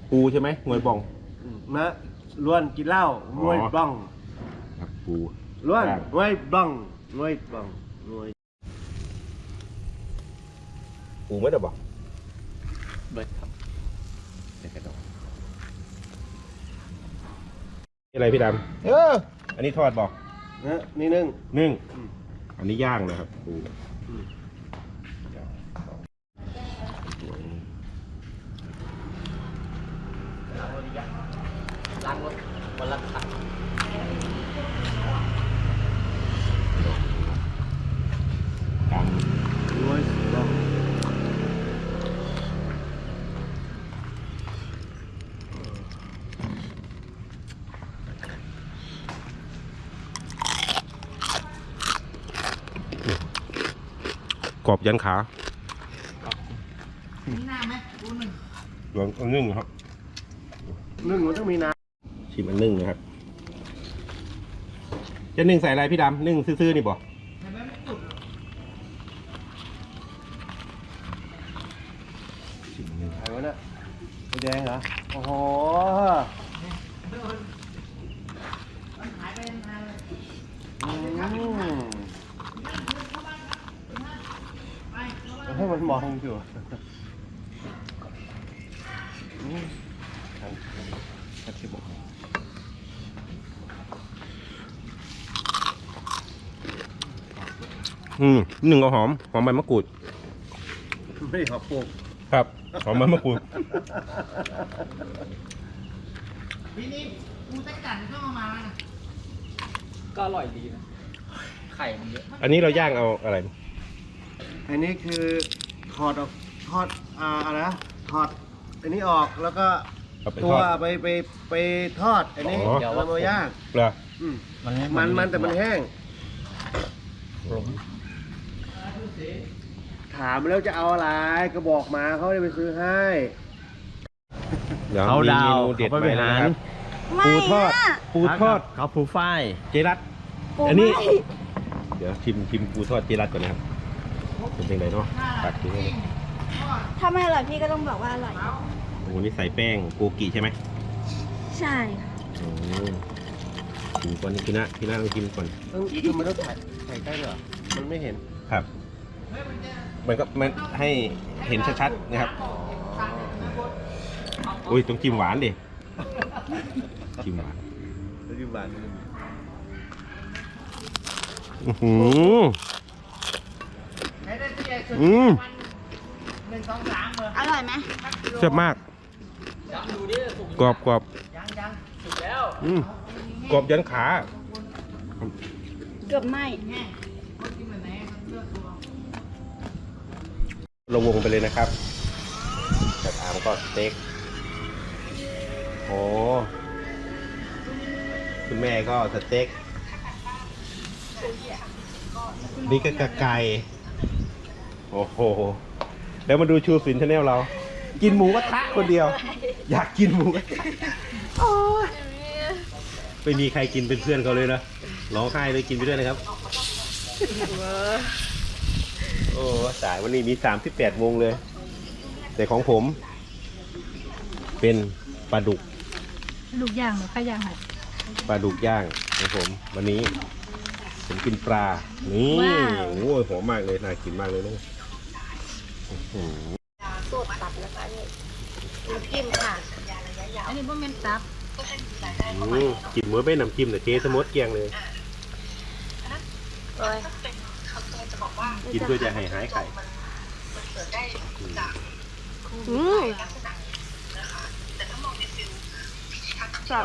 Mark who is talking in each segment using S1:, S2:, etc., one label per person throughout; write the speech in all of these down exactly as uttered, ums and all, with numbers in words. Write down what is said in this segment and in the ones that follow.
S1: ปูใช่ไหมงวยบอง
S2: นะล้วนกินเหล้างวยบ้อง
S1: ครับปู
S2: ล้วนงวยบ้องงวยบ้องงวย
S1: ปูไม่ได้บอก
S3: เบิร์ดครับ
S1: เด็กกระดองนี่อะไรพี่ดำเอออันนี้ทอดบอก
S2: นะนี่นึ่ง
S1: นึ่งอันนี้ย่างนะครับปู
S3: ล้างรถวันละครั้ง
S1: กัน
S2: งวยบ้อง
S1: กรอบยันขา
S3: มีน้ำไหมดูหนึ่ง
S1: ลองอันนึ่งครับ
S2: นึ่งมันต้องมีน้
S1: ำชิมอันนึ่งนะครับจะนึ่งใส่อะไรพี่ดำนึ่งซื่อๆนี่บ่ชิมอันนึ่ง
S2: ไอ้วะเนี่ยไอ้แดงเหรอโอ้โห
S3: หายไปนานเลย
S2: ให้มันมองอยู่ครับที่บอก
S1: อืมหนึ่งเอาหอมหอมใบมะกรูด
S2: ไม่ขอบปลูก
S1: ครับหอมใบมะกรูด
S3: ทีนี้ปูตะกั่นก็มามาแล้วนะก็อร่อยดีนะไข่มันเยอะ
S1: อันนี้เราย่างเอาอะไร
S2: อันนี้คือถอดออกทอดอ่าอะไรนะถอดอันนี้ออกแล้วก็ตัวไปไปไปทอดอันนี้เรามาย่าง
S1: เหรอ
S2: มันมันมันแต่มันแห้งถามแล้วจะเอาอะไรก็บอกมาเขาจะไปซื้อให้
S1: เขาดาวเขาไปหารปูทอดปูทอด
S3: เขาปูฝ้าย
S1: เจรัตอันนี้เดี๋ยวชิมชิมปูทอดเจรัตก่อนนะครับเป็นยังไงเนาะตัดทิ้งเลย
S4: ถ้าไม่อร่อยพี่ก็ต้องบอกว่าอร่อย
S1: โอ้นี่ใส่แป้งโกกิใช่ไหม
S4: ใช่
S1: โอ้ชิมก่อนพี่นะพี่นะลองชิมก่อน
S2: ต้องคือมันต้องถ่ายถ่ายใกล้เหรอมันไม่เห็น
S1: ครับมันก็มันให้เห็นชัดๆนะครับอุ้ยต้องจิ้มหวานดิจิ้มหวาน
S2: จิ้มหวาน
S1: อือหืออืม
S4: อร่อยไหม
S1: แซ่บมากกรอบกรอบอืมกรอบยันขา
S4: เกือบไหม้
S1: เราวงไปเลยนะครับจากอามก็สเต็กโอ้คุณแม่ก็สเต็กนี่ก็ไก่โอ้โหแล้วมาดูชูศิลป์ชาแนลเรากินหมูกระทะคนเดียวอยากกินหมูกระทะไม่มีใครกินเป็นเพื่อนเขาเลยนะร้องไห้เลยกินไปด้วยนะครับโอ้สายวันนี้มีสามสิบแปดวงเลยแต่ของผมเป็นปลาดุก
S4: ดุกย่างหรือข้าวย่างค่ะ
S1: ปลาดุกย่างของผมวันนี้ผมกินปลานี่โอ้ยหอมมากเลยน่ากินมากเลยนะ
S4: สดตับนะคะนี่น้ำจิ้มค่ะอันนี้พวกเมนตับ
S1: กินเมื่อไม่น้ำจิ้มแต่เจ๊สมดเกียงเลยกินเพื่อจะให้หายไข่
S4: อืมจับ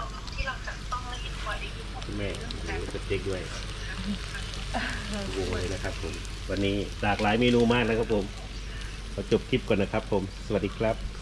S1: แม่จะเจ๊กด้วยวงเลยนะครับผมวันนี้หลากหลายเมนูมากนะครับผมขอจบคลิปก่อนนะครับผมสวัสดีครับ